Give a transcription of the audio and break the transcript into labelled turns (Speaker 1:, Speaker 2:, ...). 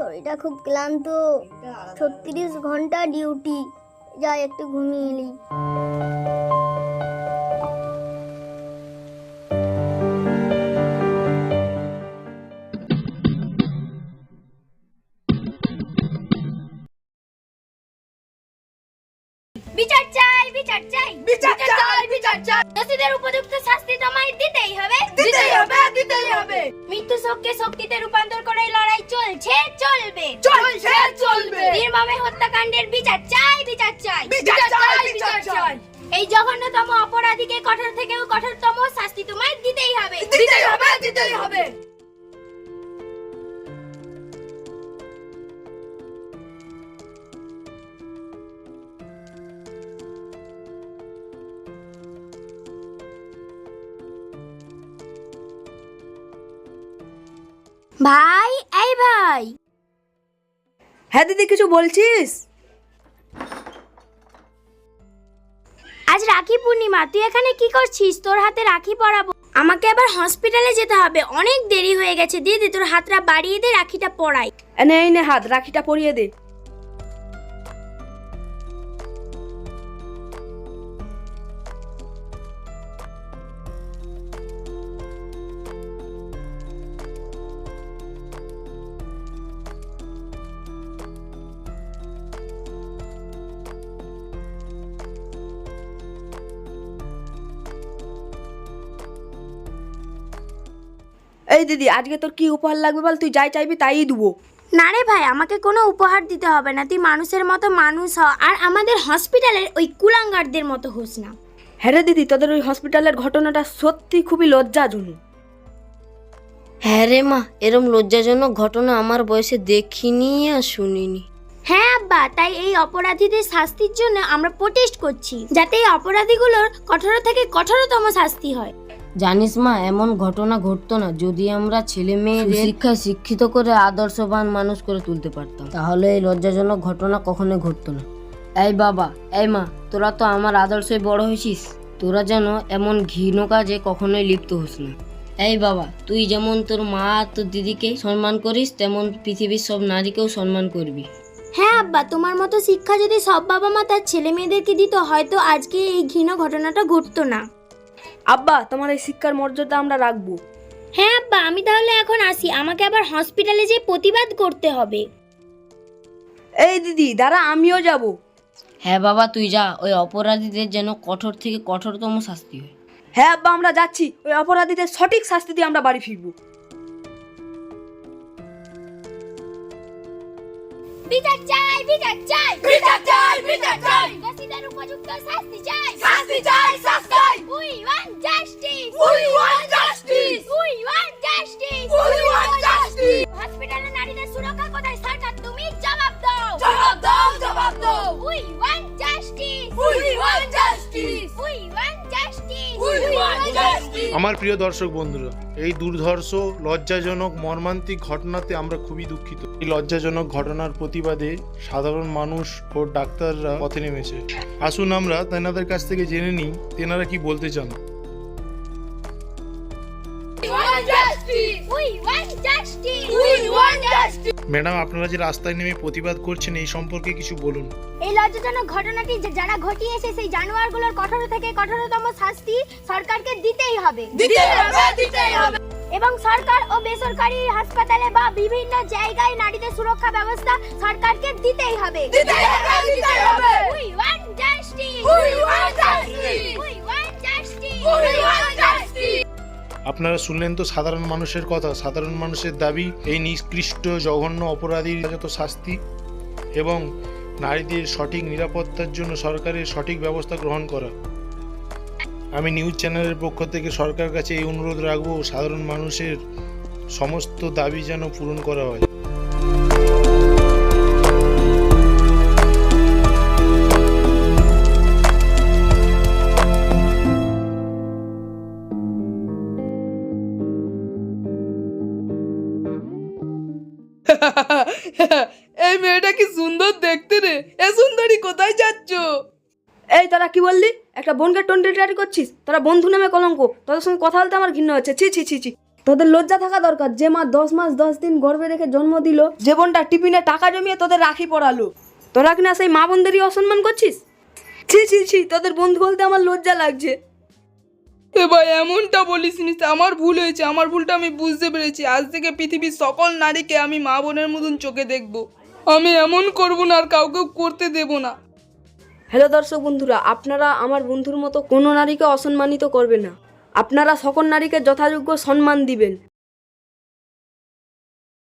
Speaker 1: শরীরটা খুব ক্লান্ত, 36 ঘন্টা ডিউটি, যাই একটু ঘুমিয়ে এলি।
Speaker 2: বিচার চাই, বিচার চাই, বিচার চাই, বিচার চাই। দোষীদের উপযুক্ত শাস্তি তোমায় দিতেই হবে, দিতেই হবে, দিতেই হবে। মৃত্যু শোককে শক্তিতে রূপান্তর করে লড়াই চলছে, চলবে, চলছে, চলবে। নির্মমে হত্যাকাণ্ডের বিচার চাই, বিচার চাই, বিচার চাই, বিচার চাই। এই জঘন্যতম অপরাধীকে কঠোর থেকেও কঠোরতম শাস্তি তোমায় দিতেই হবে, দিতেই হবে, দিতেই হবে। ভাই, এই ভাই।
Speaker 3: হ্যাঁ দিদি, কিছু বলছিস?
Speaker 2: আজ রাখি পূর্ণিমা, তুই এখানে কি করছিস? তোর হাতে রাখি পরাবো। আমাকে আবার হসপিটালে যেতে হবে, অনেক দেরি হয়ে গেছে। দিদি তোর হাতটা বাড়িয়ে দে, রাখিটা পরাই।
Speaker 3: এই নে হাত, রাখিটা পরিয়ে দে। এই দিদি, আজকে তোর কি উপহার লাগবে বল, তুই যাই চাইবি তাই দেবো।
Speaker 2: না রে ভাই, আমাকে কোনো উপহার দিতে হবে না। তুই মানুষের মতো মানুষ হ, আর আমাদের হসপিটালের ওই কুলাঙ্গারদের মতো হোস না।
Speaker 3: হ্যাঁ রে দিদি, তোদের ওই হসপিটালের ঘটনাটা সত্যি খুবই লজ্জাজনক।
Speaker 4: হ্যাঁ রে মা, এরম লজ্জাজনক ঘটনা আমার বয়সে দেখিনি আর শুনিনি।
Speaker 2: হ্যাঁ আব্বা, তাই এই অপরাধীদের শাস্তির জন্য আমরা প্রোটেস্ট করছি, যাতে এই অপরাধীগুলোর কঠোর থেকে কঠোরতম শাস্তি হয়।
Speaker 4: জানিস মা, এমন ঘটনা ঘটতো না যদি আমরা ছেলে মেয়েদের শিক্ষায় শিক্ষিত করে আদর্শবান মানুষ করে তুলতে পারতাম। তাহলে এই লজ্জাজনক ঘটনা কখনোই ঘটতো না। এই বাবা, এই মা, তোরা তো আমার আদর্শে বড় হয়েছিস, তোরা যেন এমন ঘৃণ কাজে কখনোই লিপ্ত হোস না। এই বাবা, তুই যেমন তোর মা আর তোর দিদিকে সম্মান করিস, তেমন পৃথিবীর সব নারীকেও সম্মান করবি।
Speaker 2: হ্যাঁ আব্বা, তোমার মতো শিক্ষা যদি সব বাবা মা তার ছেলে মেয়েদেরকে দিত, হয়তো আজকে এই ঘৃণ ঘটনাটা ঘটতো না।
Speaker 3: আব্বা, তোমার এই শিক্ষার মর্যাদা আমরা রাখবো।
Speaker 2: হ্যাঁ আব্বা, আমি তাহলে এখন আসি, আমাকে আবার হসপিটালে যেয়ে প্রতিবাদ করতে হবে।
Speaker 3: এই দিদি দাঁড়া, আমিও যাব।
Speaker 4: হ্যাঁ বাবা, তুই যা, ওই অপরাধীদের যেন কঠোর থেকে কঠোরতম শাস্তি হয়।
Speaker 3: হ্যাঁ আব্বা, আমরা যাচ্ছি, ওই অপরাধীদের সঠিক শাস্তি দিয়ে আমরা বাড়ি ফিরবো।
Speaker 2: বিচার চাই, বিচার চাই, বিচার চাই, বিচার চাই। দোষীদের উপযুক্ত শাস্তি চাই, শাস্তি চাই, শাস্তি চাই। We want justice, we want justice, we want justice, we want justice. হসপিটালে নারীদের সুরক্ষা কোথায় সরকার, তুমি জবাব দাও, জবাব দাও, জবাব দাও। We want justice, we want justice, we want justice, we want justice.
Speaker 5: আমার প্রিয় দর্শক বন্ধুরা, এই দুর্ধর্ষ লজ্জাজনক মর্মান্তিক ঘটনাতে আমরা খুবই দুঃখিত। এই লজ্জাজনক ঘটনার প্রতিবাদে সাধারণ মানুষ ও ডাক্তাররা পথে নেমেছে। আসুন আমরা তেনাদের কাছ থেকে জেনে নিই তেনারা কি বলতে চান। ম্যাডাম, আপনারা যে রাস্তায় নেমে প্রতিবাদ করছেন এই সম্পর্কে কিছু বলুন।
Speaker 2: এই লজ্জাজনক ঘটনাটি যারা ঘটিয়েছে সেই জানোয়ারগুলোর কঠোর থেকে কঠোরতম শাস্তি সরকারকে দিতেই হবে, দিতেই হবে, দিতেই হবে। এবং সরকার ও বেসরকারি হাসপাতালে বা বিভিন্ন জায়গায় নারীদের সুরক্ষা ব্যবস্থা সরকারকে দিতেই হবে, দিতেই হবে, দিতেই হবে। We want justice, we want justice, we want justice, we want justice.
Speaker 5: আপনারা শুনলেন তো সাধারণ মানুষের কথা, সাধারণ মানুষের দাবি এই নিকৃষ্ট জঘন্য অপরাধীর যত শাস্তি এবং নারীদের সঠিক নিরাপত্তার জন্য সরকারের সঠিক ব্যবস্থা গ্রহণ করা। আমি নিউজ চ্যানেলের পক্ষ থেকে সরকারের কাছে এই অনুরোধ রাখবো, সাধারণ মানুষের সমস্ত দাবি যেন পূরণ করা হয়।
Speaker 3: এই মেয়েটা কি সুন্দর দেখতে রে, এ সুন্দরী কোথায় যাচ্ছ? এই তোরা কি বললি? একটা বোনকে টন্ডেটারি করছিস? তোরা বন্ধু নামে কলঙ্ক, তোদের সঙ্গে কথা বলতে আমার ঘৃণা হচ্ছে। ছি ছি ছি ছি।
Speaker 6: তোদের লজ্জা থাকা দরকার, যে মা 10 মাস 10 দিন গর্ভে রেখে জন্ম দিল, যে বোনটা টিফিনে টাকা জমিয়ে তোদের রাখি পড়ালো, তোরা কিনা সেই মা বোনদেরই অসম্মান করছিস। ছি ছি ছি, তোদের বন্ধু বলতে আমার লজ্জা লাগছে।
Speaker 3: এ ভাই এমনটা বলিস নি, আমার ভুল হয়েছে, আমার ভুলটা আমি বুঝতে পেরেছি। আজ থেকে পৃথিবীর সকল নারীকে আমি মা বোনের মতন চোখে দেখব। আমি এমন করব না, আর কাউকে করতে দেব না।
Speaker 6: হ্যালো দর্শক বন্ধুরা, আপনারা আমার বন্ধুর মতো কোনো নারীকে অসম্মানিত করবেন না। আপনারা সকল নারীকে যথাযোগ্য সম্মান দিবেন।